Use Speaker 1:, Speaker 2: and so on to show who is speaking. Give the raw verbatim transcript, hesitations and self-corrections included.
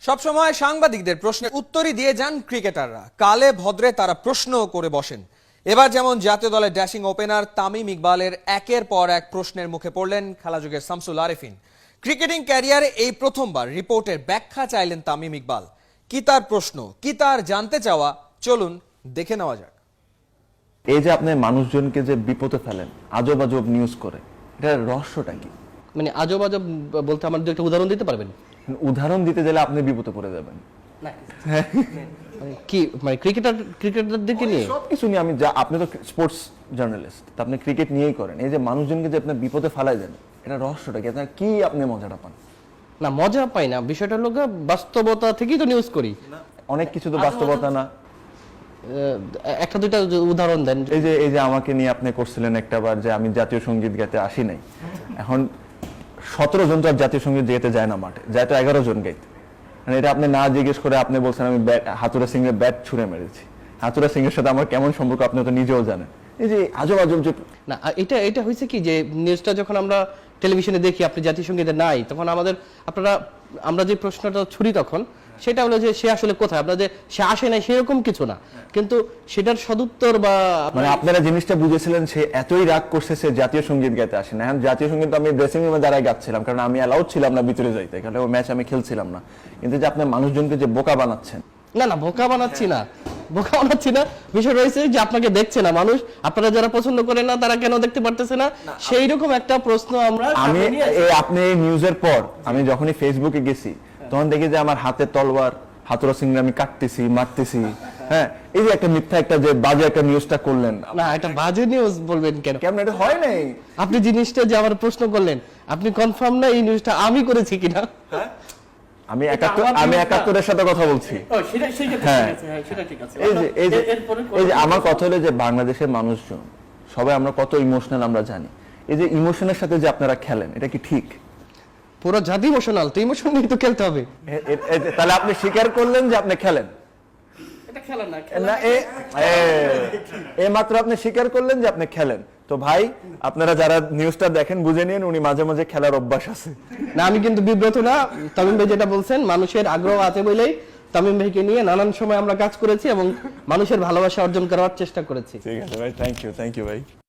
Speaker 1: সবসময় সাংবাদিকদের প্রশ্নের উত্তরই দিয়ে যান ক্রিকেটাররা। কালে ভদ্রে তারা প্রশ্ন করে বসেন। এবার যেমন জাতীয় দলের ড্যাশিং ওপেনার তামিম ইকবালের একের পর এক প্রশ্নের মুখে পড়লেন খেলাযোগের শামসুল আরেফিন। ক্রিকেটিং ক্যারিয়ারে এই প্রথমবার রিপোর্টের ব্যাখ্যা চাইলেন তামিম ইকবাল। কি তার প্রশ্ন, কি তার জানতে চাওয়া, চলুন দেখে নেওয়া যাক।
Speaker 2: এই যে আপনি মানুষজনকে যে বিপদে ফেলেন আজব আজব নিউজ করে, এটার রহস্যটা কি?
Speaker 3: মানে আজব আজব বলতে আমার একটা উদাহরণ দিতে পারবেন?
Speaker 2: উদাহরণ দিতে গেলে আপনি বিপদে পড়ে যাবেন।
Speaker 3: মানে কি, মানে ক্রিকেটার ক্রিকেটারদেরকে নিয়ে
Speaker 2: সবকিছু নিয়ে আমি যা, আপনি তো স্পোর্টস জার্নালিস্ট, আপনি ক্রিকেট নিয়েই করেন। এই যে মানুষজনকে যে আপনি বিপদে ফেলাই দেন, এটা রহস্যটা কি? আপনার কি আপনি মজাটা পান?
Speaker 3: না, মজা পাই না, বিষয়টা হলো বাস্তবতা থেকেই তো নিউজ করি।
Speaker 2: অনেক কিছু তো বাস্তবতা না।
Speaker 3: একটা দুইটা উদাহরণ দেন।
Speaker 2: এই যে এই যে আমাকে নিয়ে আপনি করছিলেন একটা বার যে আমি জাতীয় সঙ্গীত গাইতে আসি নাই। এখন সতেরো জন তো আর জাতীয় সঙ্গীত গাইতে যায় না মাঠে, যায় তো এগারো জন গাইতে। মানে এটা আপনি না জিজ্ঞেস করে আপনি বলছেন আমি হাতুড়া সিং এর ব্যাট ছুঁড়ে মেরেছি। হাতুড়া সিং এর সাথে আমার কেমন সম্পর্ক আপনি তো নিজেও জানেন। এই যে আজব আজব যে
Speaker 3: না, এটা এটা হয়েছে কি যে নিউজটা যখন আমরা টেলিভিশনে দেখি আপনি জাতীয় সঙ্গীতে নাই, তখন আমাদের আপনারা আমরা যে প্রশ্নটা ছুরি তখন সেটা হলো যে সে আসলে কোথায়, আপনারা যে সে আসে নাই সেরকম কিছু না, কিন্তু সেটার সদুত্তর বা
Speaker 2: মানে আপনারা জিনিসটা বুঝেছিলেন সে এতই রাগ করছে সে জাতীয় সঙ্গীত গাইতে আসে না। এখন জাতীয় সঙ্গীত আমি ড্রেসিং রুমে দাঁড়ায় গাচ্ছিলাম, কারণ আমি অ্যালাউড ছিলাম না ভিতরে যাইতে, কারণ ওই ম্যাচ আমি খেলছিলাম না। কিন্তু যে আপনি মানুষজনকে যে বোকা বানাচ্ছেন।
Speaker 3: না না, বোকা বানাচ্ছি না, বোকা বানাচ্ছি না। বিষয় রয়েছে যে আপনাকে দেখছে না মানুষ, আপনারা যারা পছন্দ করেন না তারা কেন দেখতে পারতেছে না, সেই রকম একটা প্রশ্ন আমরা
Speaker 2: আমি এই আপনি এই নিউজের পর আমি যখনই ফেসবুকে গেছি তখন দেখি যে আমার হাতে তলোয়ার, হাতুড়া সিং আমি কাটতেছি, মারতেছি। হ্যাঁ, এই যে একটা মিথ্যা একটা যে বাজে একটা নিউজটা করলেন।
Speaker 3: না, এটা বাজে নিউজ বলবেন কেন?
Speaker 2: কেমন এটা হয় নাই?
Speaker 3: আপনি জিনিসটা যে আমার প্রশ্ন করলেন, আপনি কনফার্ম না এই নিউজটা আমি করেছি কিনা?
Speaker 2: হ্যাঁ, আমি একাত্তর আমি একাত্তরের সাথে কথা বলছি।
Speaker 3: ও সেটা সেটা ঠিক আছে, হ্যাঁ সেটা ঠিক আছে।
Speaker 2: এই যে এই যে এই যে আমার কথা হলো যে বাংলাদেশের মানুষজন সবাই আমরা কত ইমোশনাল আমরা জানি। এই যে ইমোশনের সাথে যে আপনারা খেলেন, এটা কি ঠিক?
Speaker 3: পুরো জাতি ইমোশনাল, তো ইমোশন নিয়ে তো খেলতে হবে।
Speaker 2: তাহলে আপনি স্বীকার করলেন যে আপনি খেলেন?
Speaker 3: এটা খেলা না,
Speaker 2: না এই মাত্র আপনি স্বীকার করলেন যে আপনি খেলেন। তো ভাই, আপনারা যারা নিউজটা দেখেন বুঝে নিন উনি মাঝে মাঝে খেলার অভ্যাস আছে।
Speaker 3: না, আমি কিন্তু বিব্রত না। তামিম ভাই যেটা বলছেন, মানুষের আগ্রহ আছে বলেই তামিম ভাইকে নিয়ে নানান সময় আমরা কাজ করেছি এবং মানুষের ভালোবাসা অর্জন করার চেষ্টা করেছি।
Speaker 2: ঠিক আছে ভাই, থ্যাংক ইউ থ্যাংক ইউ ভাই।